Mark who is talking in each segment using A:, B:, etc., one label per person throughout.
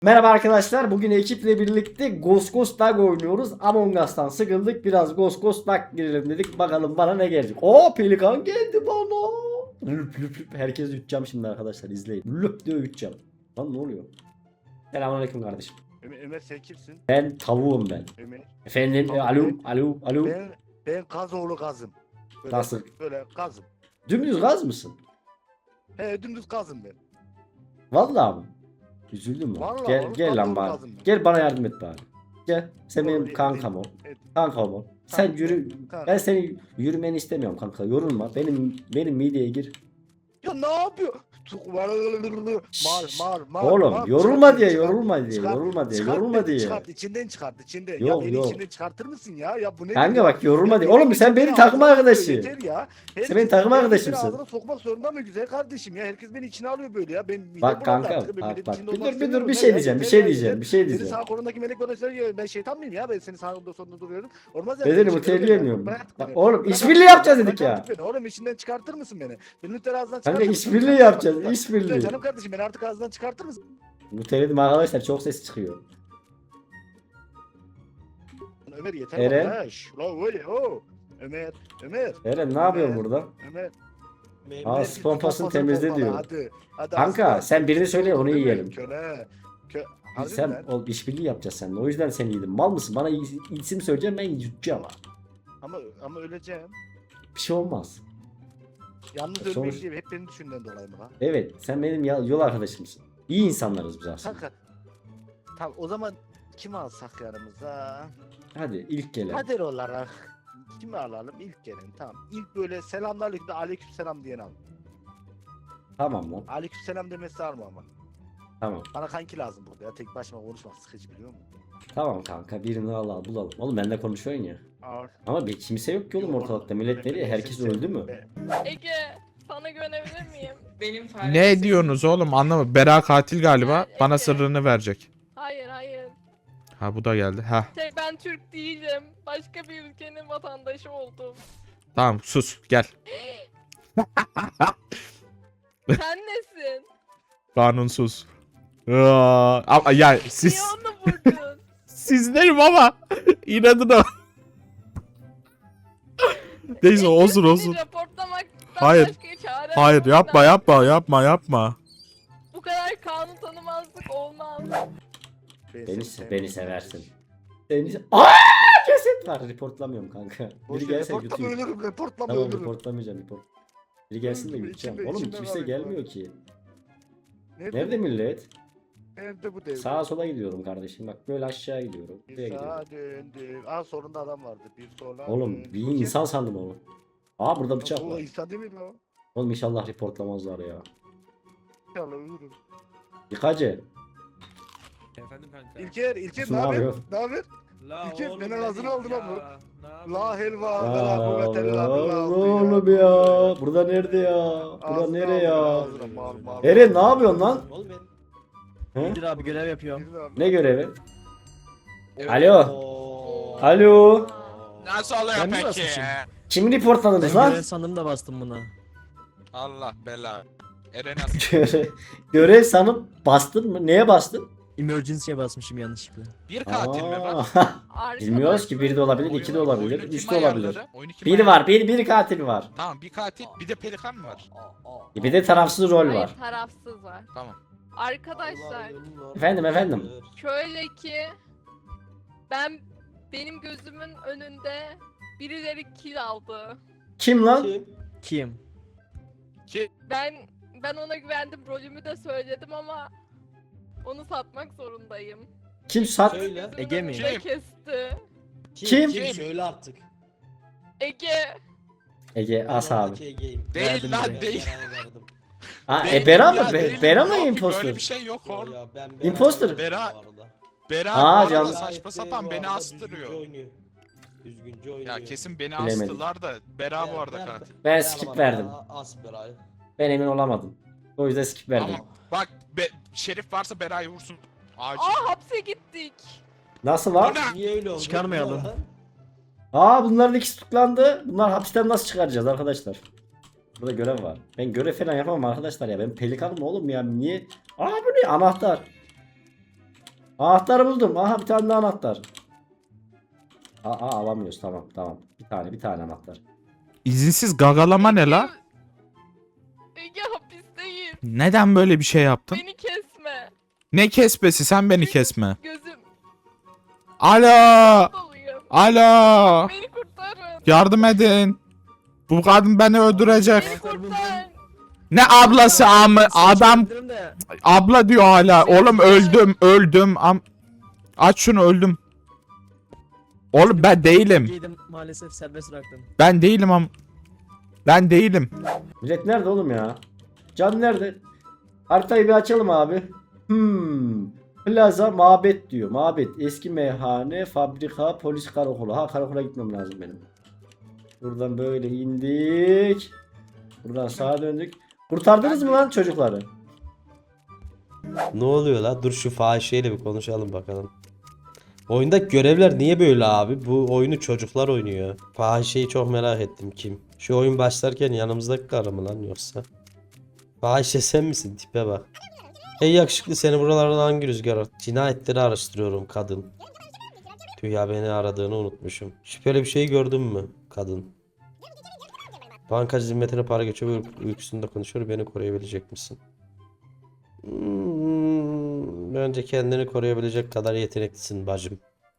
A: Merhaba arkadaşlar. Bugün ekiple birlikte Ghost Ghost Duck oynuyoruz. Among Us'tan sıkıldık. Biraz Ghost Ghost Duck girelim dedik. Bakalım bana ne gelecek. Oo, pelikan geldi bana. Lüp lüp lüp. Herkes üteceğim şimdi arkadaşlar, izleyin. Lüp diye üteceğim. Lan ne oluyor? Selamünaleyküm kardeşim.
B: Ömer sen kimsin?
A: Ben tavuğum ben.
B: Ömer.
A: Efendim
B: Tamam,
A: alo.
B: Ben Kazoğlu Kazım. Böyle,
A: Nasıl?
B: Böyle Kazım.
A: Dümdüz gaz mısın?
B: He dümdüz Kazım ben.
A: Vallahi mi? Üzüldüm lan.
B: Vallahi
A: Gel
B: oğlum,
A: gel lan
B: Kazoğlu
A: bari.
B: Kazım ben.
A: Gel bana yardım et bari. Gel. Sen
B: Doğru,
A: benim kankam ol.
B: evet.
A: Kankam ol. Sen
B: Kanka,
A: yürü.
B: kanka.
A: Ben senin yürümeni istemiyorum kanka. Yorulma. Benim mideye gir.
B: Ya ne yapıyor? Mar.
A: Oğlum
B: mar.
A: yorulma
B: Çıkart,
A: diye,
B: çıkart,
A: yorulma diye,
B: çıkart,
A: yorulma diye,
B: çıkart
A: yorulma
B: beni,
A: diye.
B: Çıkart içinden çıkart içinden. Ya
A: Yok,
B: beni
A: yok.
B: içinden çıkartır mısın ya? Ya bu ne?
A: Kanka bak yorulma
B: Ya
A: diye. Oğlum sen benim takım arkadaşı.
B: Yeter ya.
A: Sen benim takım
B: herkes
A: arkadaşımsın.
B: beni ağzına sokmak zorunda mı güzel kardeşim ya? Herkes beni içine alıyor böyle ya. Ben midem
A: Bak
B: bulandı
A: kanka,
B: artık. Ben
A: bak,
B: milletin
A: bak.
B: içinde
A: Bir
B: olmak
A: dur,
B: istemiyorum.
A: bir
B: Ne
A: şey
B: ya?
A: diyeceğim, bir
B: Yeter
A: şey
B: ya,
A: diyeceğim,
B: yeter.
A: bir şey
B: Senin
A: diyeceğim.
B: sağ kolundaki melek bana söylüyor. Ben şeytan mıyım ya? Ben senin sağında sonunda duruyorum. Olmaz ya.
A: Ben
B: Beni
A: seni
B: içine
A: muteleyemiyorum.
B: bırak artık
A: Bak
B: beni.
A: oğlum
B: Bırak
A: işbirliği
B: artık
A: yapacağız
B: beni,
A: dedik
B: bırak
A: ya.
B: artık beni. Oğlum içinden çıkartır mısın beni? Beni lütfen ağzından
A: Kanka
B: çıkartır mısın?
A: işbirliği
B: Lütfen
A: yapacağız,
B: lütfen.
A: işbirliği.
B: Lütfen canım kardeşim beni artık ağzından çıkartır mısın?
A: Muteledim arkadaşlar, çok ses çıkıyor.
B: Ömer yeter
A: Eren?
B: bana. La öyle o. Ömer.
A: Eren ne yapıyorsun burada?
B: Ömer.
A: Aa, pompasını temizle
B: pompala,
A: diyor.
B: Hadi
A: Kanka
B: aslan.
A: sen birini söyle onu
B: Değil mi?
A: yiyelim.
B: Köle. Harbi mi
A: Sen
B: lan?
A: işbirliği yapacağız seninle. O yüzden seni yedim. Mal mısın? Bana isim söyleyeceğim, ben yutacağım.
B: Ama öleceğim.
A: Bir şey olmaz.
B: Yalnız
A: Sonuç-
B: ölmeyeceğim. Hep benim düşündüğümden dolayı mı lan?
A: Evet, sen benim yol arkadaşımsın. İyi insanlarız biz aslında.
B: Kanka. Tamam o zaman kimi alsak yanımıza?
A: Hadi ilk gelen.
B: Kader olarak kimi alalım? İlk gelen tamam. İlk böyle selamünaleyküm de aleykümselam diyen al.
A: Tamam lan.
B: Aleykümselam demesi var mı ama?
A: Tamam.
B: Bana kanki lazım burada ya. Tek başıma konuşmak sıkıcı biliyor musun?
A: Tamam kanka, birini al bulalım. Oğlum benimle konuşuyorsun ya.
B: Ağır.
A: Ama bir kimse yok ki oğlum ortalıkta. Millet nereye? Herkes öldü mü?
C: Ege, sana güvenebilir miyim?
D: Benim
E: Ne diyorsunuz oğlum, anlamadım. Bera katil galiba.
C: Ya,
E: Bana
C: Ege.
E: sırrını verecek.
C: Hayır.
E: Ha, bu da geldi. Ha,
C: Ben Türk değilim. Başka bir ülkenin vatandaşı oldum.
E: tamam, sus gel.
C: Sen nesin?
E: Kanunsuz. Ama ya
C: Niye
E: siz
C: onu vurdun?
E: sizlerim ama inadına. Neyse, olsun
C: Seni
E: olsun.
C: raportlamaktan
E: Hayır.
C: başka çare
E: Hayır,
C: yok.
E: yapma.
C: Bu kadar kanun tanımazlık olmaz.
A: Beni seversin. Aaa! Ceset var. Reportlamıyorum kanka. Biri gelse
B: Reportlama
A: götüreyim.
B: ölürüm. Reportlama
A: Tamam,
B: ölürüm.
A: reportlamayacağım. Biri gelsin de gideceğim.
B: İçimde-
A: Oğlum
B: içimde
A: kimse
B: var,
A: gelmiyor ki.
B: bu?
A: Nerede millet?
B: Nerede bu dev?
A: Sağa sola gidiyorum kardeşim. Bak böyle aşağı gidiyorum. Buraya
B: Bir
A: gidiyorum.
B: sağa döndüm. Aa solunda adam vardı. Bir sola
A: Oğlum
B: döndüm.
A: bir insan sandım onu. Aa, burada bıçak
B: O
A: var.
B: insan değil mi lan?
A: Oğlum inşallah reportlamazlar ya.
B: İnşallah ölürüm.
A: Yıkacı.
D: Efendim kanka.
B: İlker
A: Ne
B: ne haber?
A: yapıyor?
B: Ne haber?
D: La
B: İlker,
D: oğlum
B: beni
D: ne
B: ağzına
D: diyeyim
B: aldı lan bu.
D: ya? Ne yapayım?
B: La helva,
A: Aa,
B: la kuvvete illa billah.
A: oğlum ya. Burada nerede ya? Burada
B: Ağzına
A: nere ya?
B: ağzına, mal, mal.
A: Eren ne yapıyorsun lan?
F: Oğlum
A: He?
F: ben abi görev yapıyorum.
B: Birini al.
A: Ne görevi?
D: Evet.
A: Alo.
F: Oo.
A: Alo.
D: Nasıl oluyor
F: Ben mi
D: peki?
F: basmışım?
A: Kimi reportladınız
F: Ben
A: lan?
F: görev sandım da bastım buna.
D: Allah bela. Eren asıl.
A: Görev sanıp bastın mı? Neye bastın?
F: Emergency'ye basmışım yanlışlıkla.
D: Bir katil mi var?
A: Aa, Bilmiyoruz ki, biri de olabilir, iki de olabilir,
D: Oyunu
A: üç
D: kim
A: de olabilir.
D: ayarladı? Oyunu kim
A: Bir
D: ayarladı?
A: var, bir katil var.
D: Tamam bir katil bir de pelikan mı var?
A: Bir de tarafsız rol
C: Hayır,
A: var.
C: tarafsız var.
D: Tamam.
C: Arkadaşlar,
A: Efendim.
C: şöyle ki benim gözümün önünde birileri kill aldı.
A: Kim lan?
F: Kim?
C: Ben ona güvendim, rolümü de söyledim ama onu satmak zorundayım.
A: Kim sat?
F: Söyle.
C: Gözümün
F: Ege mi?
C: önünde
D: Kim?
C: kesti.
A: Kim?
F: Söyle artık.
C: Ege.
A: Ege as abi.
D: Değil
F: Verdim
D: lan
F: direkt.
D: değil.
A: Aa,
D: Değil
A: Bera
D: ya,
A: mı?
D: değil.
A: Bera mı
D: Yok ki,
A: imposter?
D: Böyle bir şey yok oğlum.
A: Imposter.
D: Bera
A: Aa,
D: bu arada
A: canım.
D: saçma sapan beni astırıyor.
F: Düzgünce oynuyor.
D: Ya kesin beni
A: Bilemedim.
D: astılar da Bera bu arada katil.
A: Ben skip verdim.
F: As Bera'yı.
A: Ben emin olamadım. O yüzden skip verdim.
D: Ama bak Şerif varsa Bera'yı vursun. Acil.
C: Aa, hapse gittik.
A: Nasıl lan?
D: Bu ne?
F: Niye öyle oldu?
E: Çıkarmayalım.
A: Aa, bunların ikisi tutuklandı. Bunlar hapisten nasıl çıkaracağız arkadaşlar? Burada görev var. Ben görev falan yapamam arkadaşlar ya. Ben pelikanım oğlum ya. Niye? Aa, bu ne? Anahtar. Anahtarı buldum. Aha bir tane daha anahtar. Alamıyoruz. Tamam. Bir tane anahtar.
E: İzinsiz gagalama ne la?
C: Ege hapisteyim.
E: Neden böyle bir şey yaptın?
C: Beni kesme.
E: Ne kesmesi, sen beni kesme.
C: Gözüm
E: Alo!
C: doluyum.
E: Alo!
C: Beni kurtarın.
E: Yardım edin. Bu kadın beni öldürecek.
C: Beni kurtar.
E: Ne ablası amı? Adam abla diyor hala. Oğlum öldüm. Aç şunu, öldüm. Oğlum ben değilim.
F: Giydim maalesef serbest bıraktım.
E: Ben değilim Ben değilim.
A: Millet nerede oğlum ya? Can nerede? Haritayı bir açalım abi. Plaza mabet diyor. Mabet. Eski meyhane, fabrika, polis karakolu. Karakola gitmem lazım benim. Buradan böyle indik. Buradan sağa döndük. Kurtardınız mı lan çocukları?
F: Ne oluyor la? Dur şu fahişeyle bir konuşalım bakalım. Oyundaki görevler niye böyle abi? Bu oyunu çocuklar oynuyor. Fahişeyi çok merak ettim, kim? Şu oyun başlarken yanımızdaki karı mı lan yoksa? Fahişe sen misin? Tipe bak. Hey yakışıklı, seni buralardan hangi rüzgar attı? Cinayetleri araştırıyorum kadın. Tüh ya, beni aradığını unutmuşum. Şüpheli bir şey gördün mü kadın? Bankacı zimmetine para geçiyor ve uykusunda konuşuyor. Beni koruyabilecek misin? Bence kendini koruyabilecek kadar yeteneklisin bacım.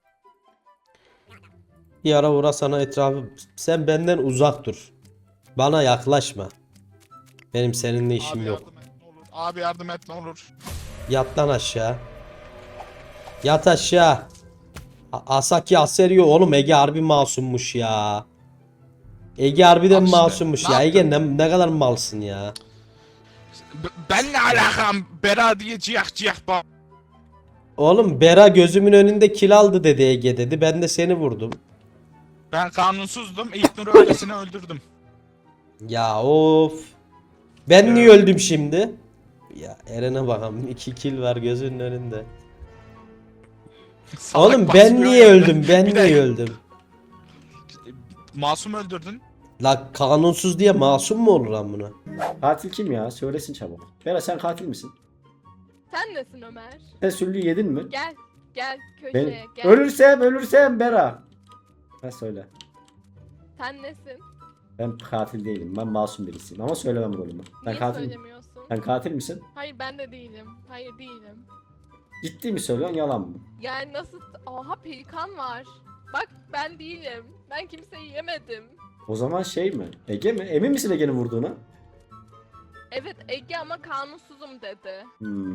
F: Bir ara uğra sana etrafı... Sen benden uzak dur. Bana yaklaşma. Benim seninle işim
D: Abi
F: yok.
D: yardım et ne olur. Abi yardım et ne olur.
F: Yat lan aşağı. Yat aşağı. Asaki Aserio oğlum, Ege harbi masummuş ya. Ege harbiden
D: Al işte,
F: masummuş
D: ne
F: ya. Ege
D: yaptın?
F: ne kadar malsın ya.
D: Ben ne alakam? Bera diye ciyak bak.
F: Oğlum Bera gözümün önünde kil aldı dedi, Ege dedi. Ben de seni vurdum.
D: Ben kanunsuzdum. İlknur'u öylesine öldürdüm.
F: Ya of. Ben niye öldüm şimdi? Ya Eren'e bakalım, 2 kill var gözünün önünde.
D: Salak
F: Oğlum ben
D: basmıyor
F: niye
D: ya.
F: öldüm? Ben
D: Bir de
F: niye öldüm?
D: Masum öldürdün.
F: La kanunsuz diye masum mu olur lan buna?
A: Katil kim ya? Söylesin çabuk. Bera sen katil misin?
C: Sen nesin Ömer?
A: Sen süllü yedin mi?
C: Gel
A: Ben
C: köşeye gel.
A: ölürsem Bera. Ben söyle.
C: Sen nesin?
A: Ben katil değilim. Ben masum birisiyim ama söylemem rolümü. Ben
C: Niye
A: katil.
C: söylemiyorsun?
A: Sen katil misin?
C: Hayır ben de değilim. Hayır değilim.
A: Ciddi mi söylüyorsun, yalan mı?
C: Yani nasıl? Aha pelikan var. Bak ben değilim. Ben kimseyi yemedim.
A: O zaman şey mi? Ege mi? Emin misin Ege'nin vurduğuna?
C: Evet Ege ama kanunsuzum dedi.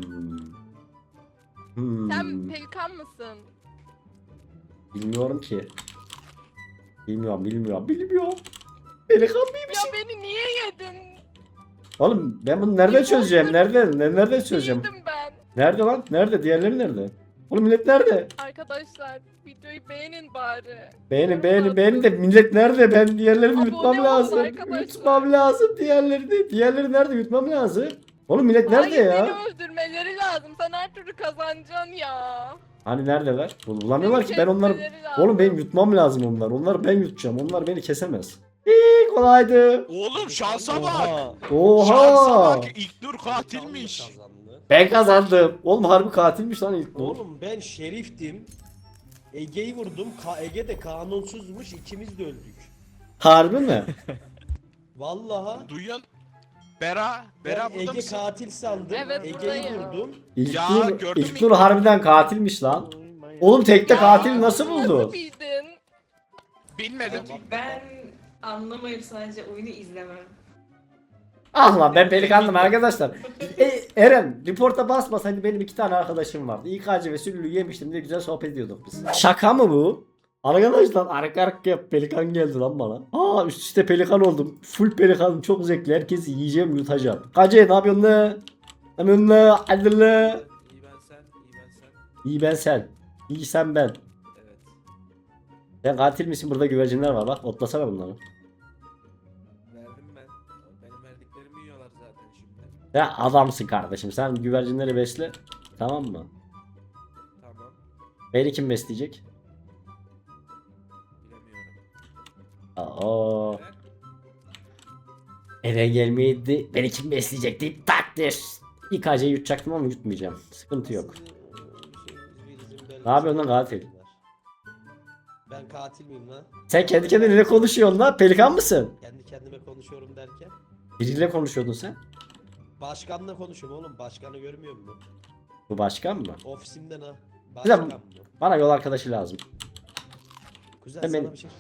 C: Sen
A: Hmm.
C: pelikan mısın?
A: Bilmiyorum ki. Bilmiyorum. Pelikan mıyım?
C: Ya beni niye yedin?
A: Oğlum ben bunu nereden çözeceğim? Nereden çözeceğim?
C: Değildim ben.
A: Nerede lan? Nerede? Diğerleri nerede? Oğlum millet nerede?
C: Arkadaşlar videoyu beğenin bari.
A: Beğenin de millet nerede? Ben diğerlerini
C: Abone
A: yutmam
C: olun
A: lazım.
C: arkadaşlar.
A: Yutmam lazım diğerlerini. Diğerleri nerede? Yutmam lazım. Oğlum millet nerede
C: Hayır,
A: ya?
C: beni öldürmeleri lazım. Sen her türlü kazanacaksın ya.
A: Hani neredeler? Bulamıyorlar
C: Beni
A: ki, ben onları...
C: kesmeleri lazım.
A: Oğlum benim yutmam lazım onları. Onları ben yutacağım. Onlar beni kesemez. İyi kolaydı.
D: Oğlum şansa bak. Şansa
A: Oha.
D: bak. İlknur katilmiş.
F: Kazandı.
A: Ben kazandım. Oğlum harbi katilmiş lan ilk.
F: Oğlum ben şeriftim. Ege'yi vurdum. Ege de kanunsuzmuş. İkimiz de öldük.
A: Harbi mi?
F: Vallahi.
D: Duyuyorsun. Bera
F: Ben
D: burada
F: Ege
D: mısın?
F: katil sandım.
C: Evet,
F: Ege'yi
C: buradayım.
F: vurdum.
D: Ya,
A: İlknur,
D: gördün mü?
A: İlknur harbiden katilmiş lan. Oğlum tekte
C: Ya,
A: katil nasıl buldu?
C: Nasıl bildin?
D: Bilmedim.
G: Ben anlamayıp sadece oyunu izlemem.
A: Ah lan ben pelikandım arkadaşlar. Eren reporta basmasaydı benim 2 tane arkadaşım vardı. İKC ve Süllü yemiştim diye güzel sohbet ediyorduk biz. Şaka mı bu? Arkadaşlar arka pelikan geldi lan bana. Üst üste pelikan oldum. Full pelikanım, çok zevkli. Herkesi yiyeceğim, yutacağım. KC ne yapıyorsun ne? Ne yapıyorsun ne? Hadi ne?
H: İyi ben sen.
A: İyi ben sen. İyi sen ben.
H: Evet.
A: Sen katil misin? Burada güvercinler var bak. Otlasana bunları.
H: Verdim ben. Benim verdiklerimi yiyorlar zaten şimdi.
A: Ya adamsın kardeşim. Sen güvercinleri besle. Tamam mı?
H: Tamam.
A: Beni kim besleyecek?
H: Bilemiyorum.
A: Aa. Eve gelmeydi. Beni kim besleyecek deyip takdir. İKC'yi yutacaktım ama yutmayacağım. Sıkıntı yok. Ne yapıyorsun lan katil?
F: Ben katil miyim lan?
A: Sen kendi kendine ne konuşuyorsun lan? Pelikan mısın?
F: Kendi kendime konuşuyorum derken.
A: Biriyle konuşuyordun sen.
F: Başkanla konuşuyorum oğlum. Başkanı görmüyor musun?
A: Bu başkan mı?
F: Ofisimden ha.
A: Güzel.
F: Başkan mı?
A: Bana yol arkadaşı lazım.
F: Güzel
A: Hemen-
F: sana bir şey.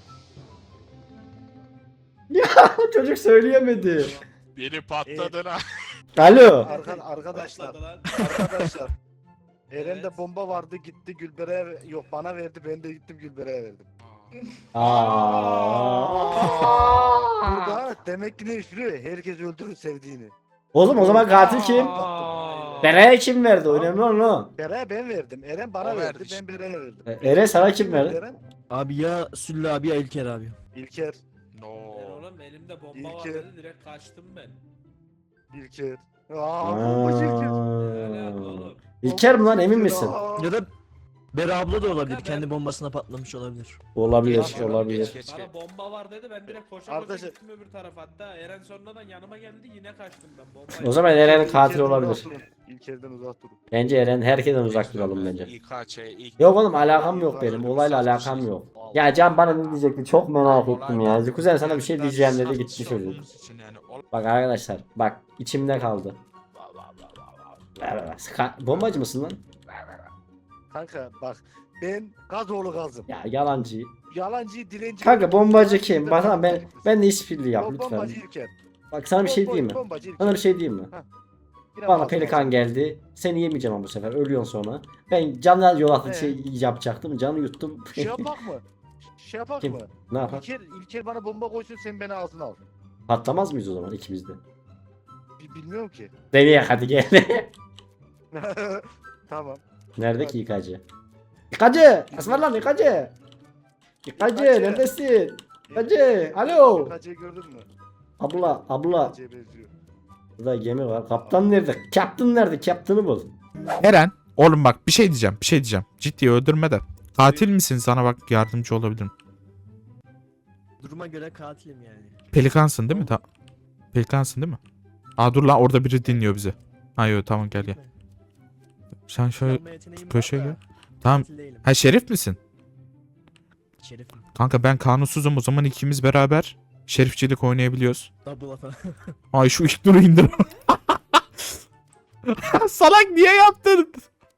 A: Çocuk söyleyemedi.
D: Biri patladı lan.
A: Alo.
B: Arkadaşlar.
H: Başladı lan.
B: Arkadaşlar. Eren'de
H: Evet.
B: bomba vardı gitti Gülbere'ye yok bana verdi ben de gittim Gülbere'ye verdim. Burada demek ki ne işliyor? Herkes öldürür sevdiğini.
A: Oğlum o zaman katil kim? Bera'ya kim verdi? Önemli olan o.
B: Bere'ye ben verdim. Eren bana
D: O
B: verdi.
D: verdi işte.
B: Ben Bere'ye verdim.
A: Eren sana kim verdi?
B: Eren?
I: Abi ya Süllü abi ya İlker abi.
B: İlker.
D: No.
H: Ben oğlum elimde bomba var
B: İlker.
H: dedi direkt kaçtım ben.
B: İlker. Bomba İlker.
H: Ne alaka oğlum?
A: İlker mi lan emin misin?
I: Ya da Bera abla da olabilir. Kendi bombasına patlamış olabilir.
A: Olabilir,
B: Geç,
A: olabilir.
D: geç.
H: Bana bomba var dedi ben direkt koşa koşa
B: Arkadaşlar-
H: gittim öbür tarafa hatta Eren sonradan yanıma geldi yine kaçtım ben bombayı.
A: O zaman Eren katil
B: İlker'den
A: olabilir.
B: uzak durun. İlker'den uzak durun.
A: Bence Eren herkesten uzak duralım bence.
D: İKÇ ilk.
A: Yok oğlum alakam yok benim. Olayla alakam yok. Ya Can bana ne diyecekti çok merak ettim ya. Kuzen sana bir şey diyeceğim dedi gitti çocuk. Bak arkadaşlar bak içimde kaldı. Bombacı mısın lan?
B: Kanka bak ben Gazoğlu Gazım.
A: Ya yalancı.
B: Yalancı dilenci.
A: Kanka bombacı kim? Bak tamam ben de işbirliği yap lütfen.
B: Bombacı İlker.
A: Bak sana bir şey diyeyim mi?
B: Bombacı İlker.
A: Sana bir şey diyeyim mi?
B: Yine
A: Bana
B: Gazım
A: pelikan
B: olsun.
A: geldi. Seni yemeyeceğim ama bu sefer. Ölüyorsun sonra. Ben canlı yol atı
B: He.
A: şey yapacaktım. Canı yuttum.
B: Şey yapak mı? Şey yapak
A: Kim?
B: mı?
A: Ne yapar?
B: İlker bana bomba koysun sen beni ağzına al.
A: Patlamaz mıyız o zaman ikimiz de?
B: Bilmiyorum ki.
A: Deneyek hadi gel.
B: Tamam.
A: Nerede ki yıkacı? Yıkacı! Aslan yıkacı! Yıkacı neredesin? Yıkacı! Alo!
B: Yıkacı'yı gördün mü?
A: Abla.
B: Yıkacı'ya benziyor.
A: Burada gemi var. Kaptan nerede? Kaptan nerede? Kaptanı bul.
E: Eren, oğlum bak bir şey diyeceğim. Ciddi öldürme de. Katil misin? Sana bak yardımcı olabilirim.
I: Duruma göre katilim yani.
E: Pelikansın değil mi? Pelikansın değil mi? Aa dur lan orada biri dinliyor bizi. Ha yok tamam gel. Sen şöyle
I: Çalma yeteneğim var
E: köşeye
I: da
E: gel. Tamam.
I: katil değilim.
E: Ha şerif misin?
I: Şerifim.
E: Kanka ben kanunsuzum o zaman ikimiz beraber şerifçilik oynayabiliyoruz.
I: Double falan.
E: Ay şu ilk duru indir. Salak niye yaptın?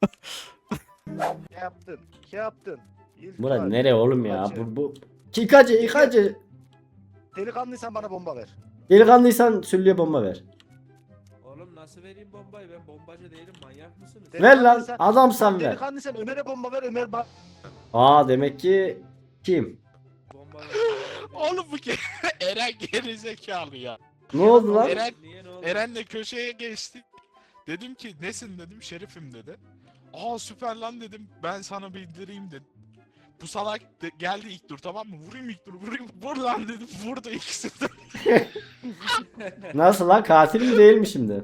B: Ne yaptın? İlker,
A: Bura nere oğlum ya?
B: Yıkacı.
A: Bu. Yıkacı.
B: Delikanlıysan bana bomba ver.
A: Delikanlıysan Süllü'ye bomba ver.
H: Oğlum nasıl vereyim bombayı ben bombacı değilim manyak mısınız?
A: Ver lan
B: Delikanlıysan-
A: adamsan ver.
B: Delikanlıysan Ömer'e bomba ver Ömer bak.
A: Aa demek ki kim?
H: Bomba ver.
D: Oğlum bu ke Eren geri zekalı ya.
A: Ne oldu lan?
D: Eren
H: Niye ne oldu?
D: Eren'le köşeye geçtik. Dedim ki nesin dedim şerifim dedi. Aa süper lan dedim ben sana bildireyim dedim. Bu salak geldi ilk dur tamam mı? Vurayım ilk dur vurayım. Vur lan dedim. Vurdu ikisi de.
A: Nasıl lan katil mi değil mi şimdi?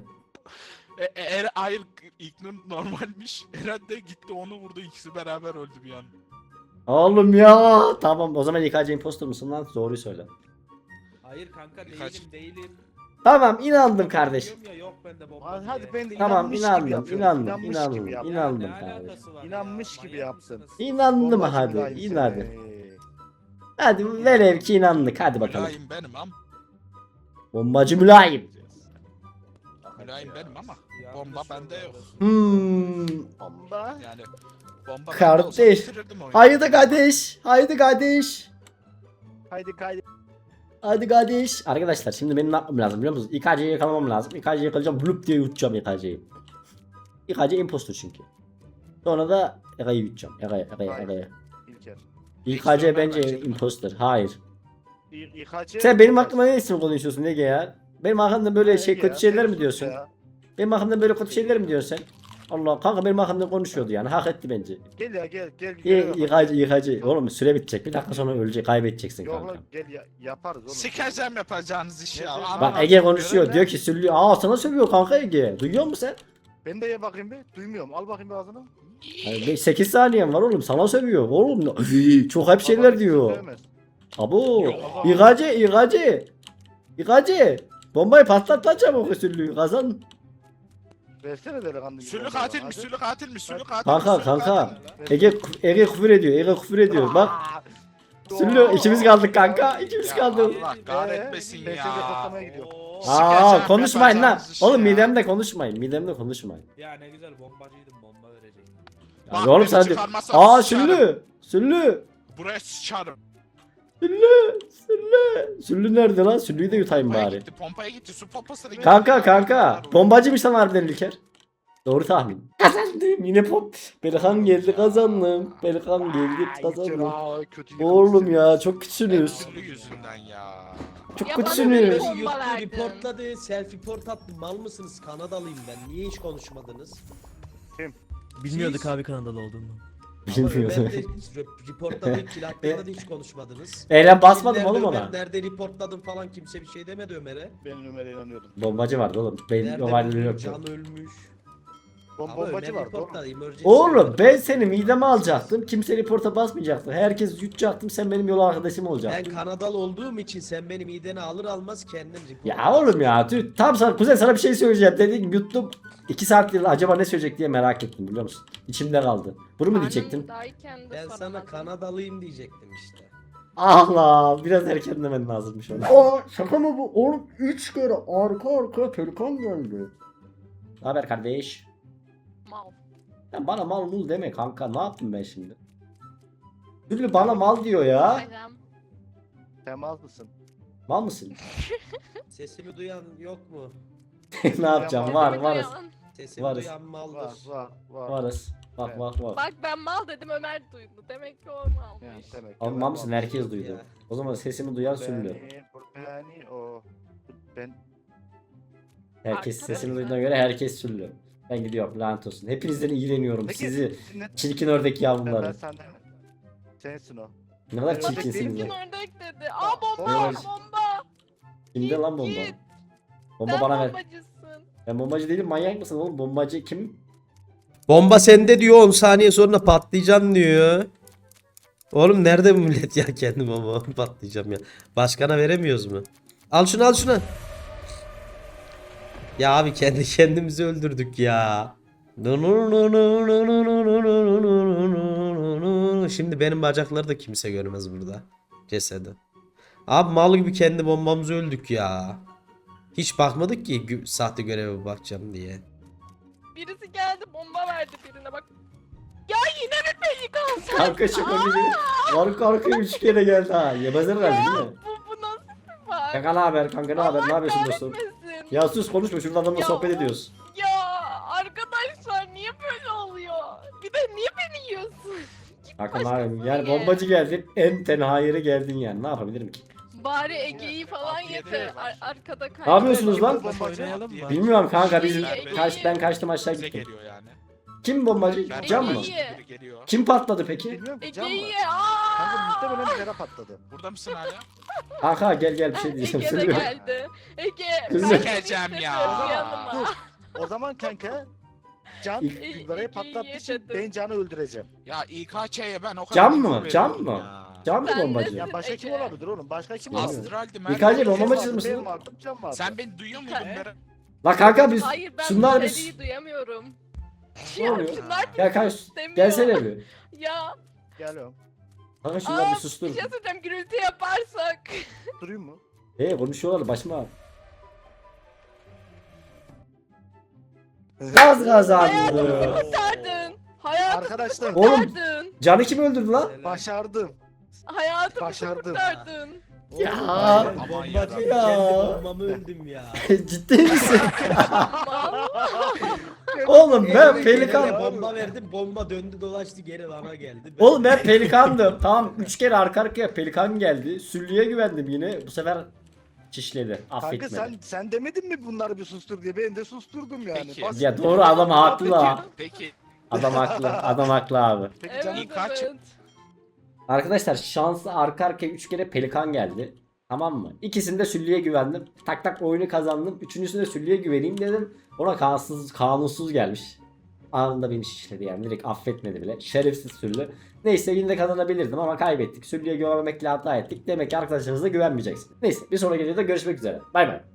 D: Hayır İlknur normalmiş. Eren de gitti onu vurdu ikisi beraber öldü bir an.
A: Oğlum ya. Tamam o zaman yıkacı imposter mısın lan? Doğruyu söyle.
H: Hayır kanka
D: Kaç-
H: değilim.
A: Tamam inandım kardeş.
H: Diyorum ya, yok bende bomba
B: Hadi
H: diye.
B: ben de
A: Tamam
B: inanmış gibi
A: inandım
B: yapıyorum.
A: inandım
B: İnanmış
A: inandım
B: gibi yapıyorum.
A: inandım
H: Ne
A: kardeş.
H: alakası var
B: İnanmış
H: ya?
B: gibi
H: Manyak
B: yaptın.
H: mısınız?
A: İnandım
B: Bombacı
A: hadi
B: mülayim
A: in
B: seni.
A: hadi. Hadi velev ki inandık hadi bakalım.
D: Mülayim benim ama.
A: Bombacı mülayim.
D: Mülayim benim ama.
H: Yanlış
D: Bomba bende yok.
B: Bomba.
D: Yani bomba
A: Kardeş.
D: bende olsa bitirirdim oyunu.
A: Haydi kardeş. Haydi kardeş.
B: Haydi kaydı.
A: Hadi kardeş. Arkadaşlar şimdi benim ne yapmam lazım biliyor musunuz? İKC'yi yakalamam lazım. İKC'yi yakalayacağım. Blup diye yutacağım İKC'yi. İKC impostor çünkü. Sonra da Ega'yı yutacağım. Ega'yı.
B: İlker.
A: İKC bence impostor. Hayır.
B: İKC.
A: Sen benim hakkımda ne isim konuşuyorsun Ege ya? Benim hakkımda böyle şey kötü şeyler mi diyorsun? Benim hakkımda böyle kötü şeyler mi diyorsun sen? Allah kanka benim hakkımda konuşuyordu yani. Hak etti bence.
B: Gel ya gel.
A: İKC. Oğlum süre bitecek. Bir dakika sonra ölecek. Kaybedeceksin
B: Yok
A: kanka.
B: lan gel yaparız oğlum.
D: Sikeceğim yapacağınız işi ya.
B: Bak,
D: Aman
A: Bak
D: Allah'ım.
A: Ege konuşuyor.
B: Görev
A: Diyor
B: ne?
A: ki Süllü. Aa sana sövüyor kanka Ege. Duyuyor musun sen?
B: Ben de ye bakayım bir. Duymuyorum. Al bakayım bir ağzına.
A: 8 saniyen var oğlum. Sana sövüyor. Oğlum çok hep şeyler
B: Baba,
A: diyor.
B: sevmez.
A: Abo.
D: Yok.
A: İKC. Bombayı patlat lan çabuk Süllü. Kazan.
B: Versene delikanlı gibi.
D: Sülü
B: bombayı
D: katil
B: bana,
D: mi?
B: hadi.
D: Sülü katil mi? Sülü katil mi?
A: Kanka,
D: Sülü
A: kanka.
D: katil mi?
A: Ege küfür ediyor. Ege küfür ediyor. Bak. Süllü ikimiz kaldık kanka. İkimiz
D: Ya
A: kaldık.
D: Allah kahretmesin
B: Ben seni
D: ya.
B: patlamaya gidiyorum.
A: Aa konuşmayın lan.
D: yapacağınız
A: Oğlum
D: iş ya.
A: midemde konuşmayın. Midemde konuşmayın.
H: Ya ne güzel bombacıydım, bomba verecektim.
A: Ya
D: Bak,
A: oğlum
D: beni
A: sen de.
D: çıkarmazsan
A: Aa
D: sıçarım.
A: Süllü. Süllü.
D: Buraya sıçarım.
A: Süllü. Süllü. Süllü nerede lan? Süllüyü de yutayım
D: Pompaya
A: bari.
D: gitti, pompaya gitti. Su pompasına gitti.
A: Kanka. Bombacıymış lan harbiden İlker. Doğru tahmin. Kazandım yine pop. Pelikan geldi kazandım. Pelikan geldi kazandım. Oğlum ya çok kötüsünüz.
D: Süllü yüzünden ya.
A: Çok
C: Ya bana
A: kötüsünüz.
C: böyle
F: Yuttu,
C: bomba verdin.
F: reportladı, self report attı. Mal mısınız? Kanadalıyım ben. Niye hiç konuşmadınız?
I: Bilmiyorduk
F: Siz-
I: abi Kanadalı olduğunu.
F: Ama
A: Bilmiyorum.
F: Ömer de reportladı, kill hakkında da hiç konuşmadınız.
A: Eylem basmadım
F: Nerede
A: oğlum
F: Ömer,
A: ona.
F: Nerede reportladım falan kimse bir şey demedi Ömer'e.
B: Ben Ömer'e inanıyordum.
A: Bombacı vardı oğlum. Benim
F: Nerede
A: olayları
F: bilmiyorum,
A: yoktu.
F: Can ölmüş. Ama
B: Bombacı
F: Ömer
B: vardı oğlum.
F: reportladı. emergency
A: Oğlum
F: alert.
A: ben seni mideme alacaktım. Kimse reporta basmayacaktı. Herkes yutacaktım. Sen benim yol arkadaşım
F: Ben
A: olacaktın.
F: Kanadalı olduğum için sen benim mideni alır almaz kendim report
A: Ya oğlum ya. Tam sana kuzen sana bir şey söyleyeceğim. Dediğim yuttum. 2 saattir acaba ne söyleyecek diye merak ettim biliyor musun? İçimde kaldı. Bunu mu diyecektin?
C: Karnımdayken de
F: Ben sana
C: soramadım.
F: Kanadalıyım diyecektim işte.
A: Allah biraz erken demen lazımmış onu. Aa şaka mı bu? Oğlum 3 kere arka arkaya pelikan geldi. Ne haber kardeş?
C: Mal.
A: Ya bana mal mul deme kanka. Ne yaptım ben şimdi? Süllü bana mal diyor ya.
C: Bayram.
B: Temaz mısın?
A: Mal mısın?
F: Sesimi duyan yok mu?
A: Ne yapacağım? Var
C: Sesimi
A: varız.
C: duyan.
F: Sesimi
A: Varız.
F: duyan maldır.
B: Var.
A: Varız. Bak bak bak.
C: Bak ben mal dedim Ömer duydu. Demek ki o malmış.
B: Yani demek.
A: Oğlum mal mısın? Herkes
F: Ya.
A: duydu. O zaman sesimi duyan Süllü.
B: Ben o. Ben
A: Herkes
C: Arkadaşlar.
A: sesini duyduğuna göre herkes Süllü. Ben gidiyorum lanet olsun. Hepinizden iğreniyorum.
B: Peki,
A: Sizi
B: ne-
A: çirkin ördek
B: ben
A: yavruları.
B: senden. Sensin o.
A: Ne kadar
B: Ben
A: çirkinsiniz
C: Kim
A: ya.
C: ördek dedi. Aa bomba
A: Bomba.
C: bomba.
A: Kimde lan bomba?
C: Git.
A: Bomba
C: Sen
A: bana ver.
C: bombacısın.
A: Ben bombacı değilim, manyak mısın oğlum? Bombacı kim?
F: Bomba sende diyor 10 saniye sonra patlayacaksın diyor. Oğlum nerede bu millet ya kendi bomba patlayacağım ya. Başkana veremiyoruz mu? Al şunu al şunu. Ya abi kendi kendimizi öldürdük ya. Şimdi benim bacakları da kimse görmez burada. Cesedi. Abi mal gibi kendi bombamızı öldük ya. Hiç bakmadık ki sahte göreve bakacağım diye.
C: Birisi geldi bomba verdi birine bak. Ya yine mi pelikan sen?
A: Kanka şaka gibi. Arka arkaya 3 kere geldi ha. Yemezler galiba değil mi?
C: Bu nasıl bir var?
A: Kanka ne haber? Kanka ne haber? Ne yapıyorsun dostum?
C: Kahretmesin.
A: Ya sus konuşma. Şurada adamla
C: Ya.
A: sohbet ediyoruz.
C: Ya arkadaşlar niye böyle oluyor? Bir de niye beni yiyorsun? Git
A: Kanka ne yapayım?
C: başkasını
A: Yani
C: ye.
A: bombacı geldin. En tenha yere geldin yani. Ne yapabilirim ki?
C: Bari Ege'yi falan
D: Afiyet
C: yeter.
D: olsun.
C: Arkada kaydı.
A: Ne yapıyorsunuz lan?
B: Bombacı.
I: Oynayalım mı?
A: Bilmiyorum kanka biz
C: İyi,
A: ben kaçtım aşağı
D: Bize
A: gittim.
D: geliyor yani.
A: Kim bombacı?
D: Ben
A: Can mı?
C: İyi.
D: biri geliyor.
A: Kim patladı peki?
B: Bilmiyorum ki can mı?
C: Ege'yi ye.
B: Kanka
C: Aaa.
B: muhtemelen bir yere patladı.
D: Burada mısın hala?
A: Kanka gel bir şey diyeceğim.
C: Ege de
A: Söylüyorum.
C: geldi. Ege.
A: Kızım.
C: ben
D: Geleceğim
C: seni
D: ya.
C: istemiyorum yanıma.
B: Dur. O zaman kanka Can
A: İlk-
B: Gülbara'yı patlattığı için
C: yedirdim.
B: ben Can'ı öldüreceğim.
D: Ya İKÇ'ye ben o kadar
A: Can
D: info
A: mı?
D: veriyorum
A: Can mı?
D: ya.
A: Can mı
C: Sen
A: bombacı?
C: nesin?
B: Ya başka kim
C: Ege.
B: olabilir oğlum? Başka kim
A: Bilmiyorum.
B: olabilir?
D: Astral'di
A: İKÇ
D: Merve.
A: bombacı
B: Ben
A: mısın?
B: vardım, Can vardı.
D: Sen beni duyuyor muydun Berat?
A: La kanka biz
C: Hayır ben
A: şunlar
C: bu
A: biz
C: seriyi duyamıyorum.
A: Ne
C: Ya
A: oluyor?
C: şunlar
A: Gel kanka
C: istemiyor.
A: gelsene bir.
C: Ya.
B: Geliyorum.
A: Kanka şunlar bir
C: Aa,
A: sustur.
C: bir şey söyleyeceğim gürültü yaparsak.
B: Durayım mı?
A: Konuşuyorlar başıma ağrı. Gaz kazandı.
C: Kurtardın. Hayatımı
B: Arkadaşlar
A: Oğlum
C: kurtardın.
A: Can'ı kim öldürdü lan?
B: başardım.
C: Hayatımı
B: Başardım.
C: kurtardın.
A: Ya.
F: Ben bombacı
A: Ya.
F: kendi bombamı öldüm ya.
A: Ciddi misin?
C: Mal.
A: Oğlum ben
F: Elime
A: pelikan.
F: gelene bomba verdim bomba döndü dolaştı geri bana geldi. Ben-
A: Oğlum ben pelikandım. Tamam 3 kere arka arkaya pelikan geldi. Süllüye güvendim yine. Bu sefer çişledi.
B: Kanka
A: Affetmedi.
B: sen demedin mi bunları bir sustur diye? Ben de susturdum yani.
D: Peki.
B: Bas-
A: Ya doğru adam haklı la.
D: Peki
A: Adam haklı. Adam haklı abi.
B: Peki Can
C: Evet
D: kaç-
C: evet.
A: Arkadaşlar şanslı arka arkaya 3 kere pelikan geldi. Tamam mı? İkisinde Süllü'ye güvendim. Tak tak oyunu kazandım. Üçüncüsünde Süllü'ye güveneyim dedim. Ona kanunsuz gelmiş. Anında beni şişledi yani. Direkt affetmedi bile. Şerefsiz Süllü. Neyse yine de kazanabilirdim ama kaybettik. Süllü'ye güvenmemekle hata ettik. Demek ki arkadaşlarınıza güvenmeyeceksiniz. Neyse bir sonraki videoda görüşmek üzere. Bay bay.